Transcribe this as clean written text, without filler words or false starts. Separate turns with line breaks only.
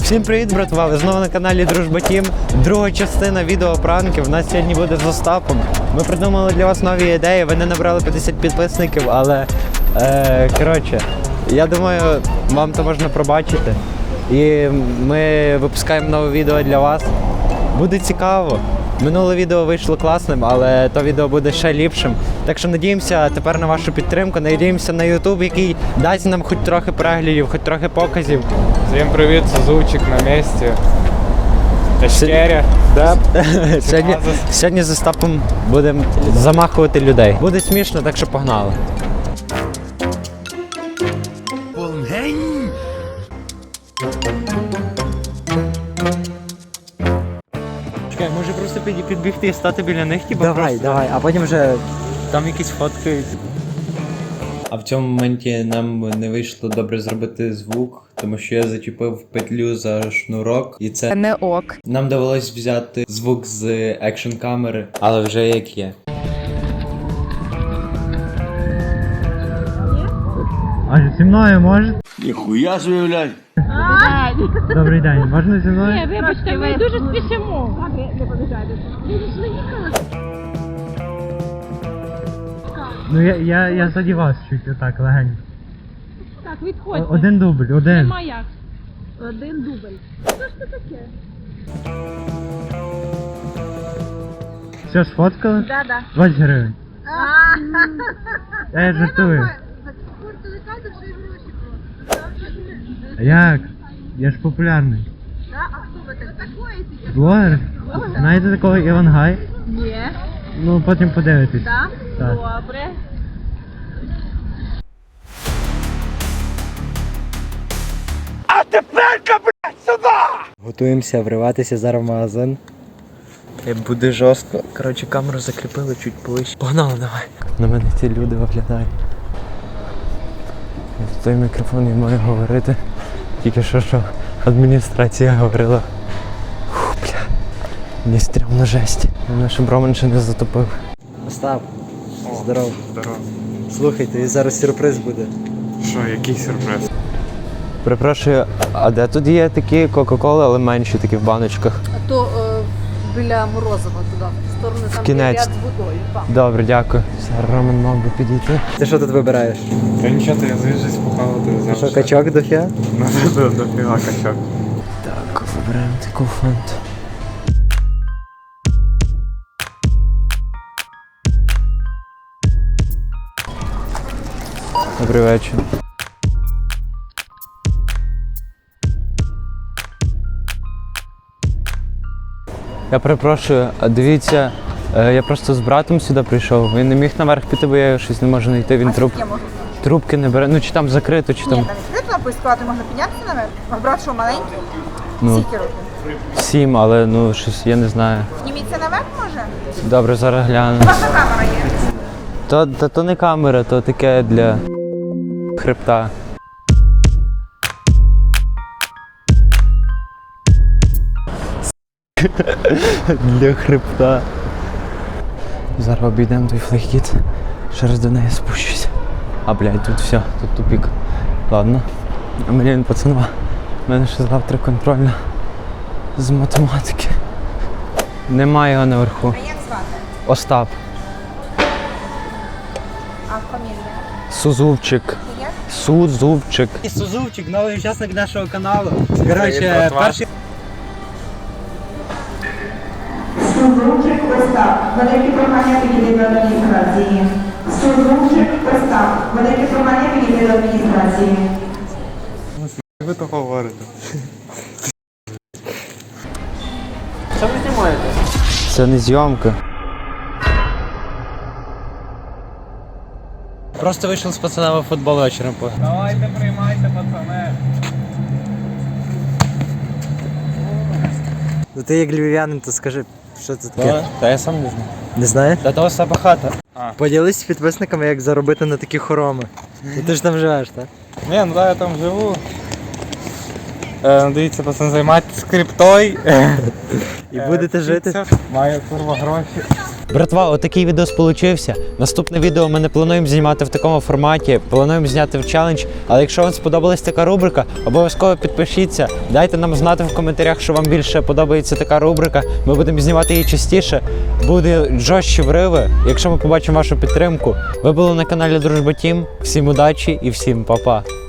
Всім привіт, братва! Ви знову на каналі Дружба Тім. Друга частина відео пранків. У нас сьогодні буде з Остапом. Ми придумали для вас нові ідеї. Ви не набрали 50 підписників, але коротше, я думаю, вам то можна пробачити. І ми випускаємо нове відео для вас. Буде цікаво. Минуле відео вийшло класним, але то відео буде ще ліпшим. Так що надіємося тепер на вашу підтримку, надіємося на YouTube, який дасть нам хоч трохи переглядів, хоч трохи показів.
Всем привет, Сузучик на месте. Тачкеря.
Да. Сьогодні з Остапом будемо замахувати людей. Буде смішно, так що погнали. Чекай, може просто підбігти і стати біля них?
Давай, а потім вже...
Там якісь фотки. А в цьому моменті нам не вийшло добре зробити звук, тому що я зачепив петлю за шнурок, і це
не ок.
нам довелось взяти звук з екшн камери, але вже як є. А зі мною може?
Ніхуя собі, блядь.
Добрий день, можна зі мною?
Ні, вибачте, ми дуже спішимо. Не побіжайте.
Ну я заді вас чуть отак легенько.
Так, відходьте.
Один дубль, один.
Нема як. Один дубль. Що ж це таке?
Все, сфоткали?
Да.
20 гривень. Я жартую. А як? Я ж популярний.
А хто ви такий?
Блогер? Знаєте такого Івангай?
Ні.
Ну потім подивитесь.
Так?
Так.
Добре.
Готуємося вриватися зараз в магазин.
Буде жорстко. Коротше, камеру закріпили чуть ближче. Погнали, давай. На мене ці люди виглядають. В той мікрофон я маю говорити. Тільки що адміністрація говорила. Фу, бля. Мені стрімно жесть. Мене щоб Роман ще не затопив.
Остап, здоров.
Здорово.
Слухай, тобі зараз сюрприз буде.
Що, який сюрприз?
Перепрошую, а де тут є такі Кока-Коли, але менші такі в баночках?
А то біля Морозова туди, в сторону там
Кінець.
ряд з водою. Там.
Добре, дякую. Зараз Роман мав би підійти.
Ти що тут вибираєш?
Та нічого, то я звіжусь похавати завжди.
Що, качок до фіа?
Ну, дофіга качок.
Так, вибираємо таку фанту. Добрий вечір. Я перепрошую, а дивіться, я просто з братом сюди прийшов. Він не міг наверх піти, бо я щось не можу знайти. Він трубки не бере. Ну чи там закрито, чи там.
Ні, там відкрито поискати, можна піднятися наверх. Ваш брат що, маленький?
Ну,
Скільки років?
7, але ну щось я не знаю.
Зніміться наверх, може?
Добре, зараз гляну.
Ваша камера є.
То не камера, то таке для хребта. Для хребта. Зараз обійдемо той флейкіт. Ще раз до неї спущусь. А, блядь, тут все, тут тупик. Ладно. Блін, пацанва. У мене ще завтра контрольна з математики. Немає його наверху.
А як звати?
Остап.
А фамілія?
Сузувчик.
Як?
Сузувчик.
Сузувчик, новий учасник нашого каналу.
Коротше,
перший...
Сузучик Остап, велике прохання підійти до адміністрації. Сузучик Остап, велике прохання підійти до адміністрації.
Ви то говорите.
Що ви знімаєте?
Це не зйомка. Просто вийшов з пацанами в футбол вечором.
Давайте приймайте, пацани.
Ну ти як львів'янин, то скажи, що це таке?
Та я сам не знаю.
Не знаєш?
Та того Остапа хата.
Поділись з підписниками, як заробити на такі хороми. Ну ти ж там живеш, так?
Ні, ну да, я там живу. Дивіться, пацан, займайтесь криптою.
І будете жити?
Маю курва гроші.
Братва, отакий відео получився. Наступне відео ми не плануємо знімати в такому форматі, плануємо зняти в челендж. Але якщо вам сподобалась така рубрика, обов'язково підпишіться. Дайте нам знати в коментарях, що вам більше подобається така рубрика. Ми будемо знімати її частіше. Буде жорстчі вриви, якщо ми побачимо вашу підтримку. Ви були на каналі Дружба Тім. Всім удачі і всім па-па.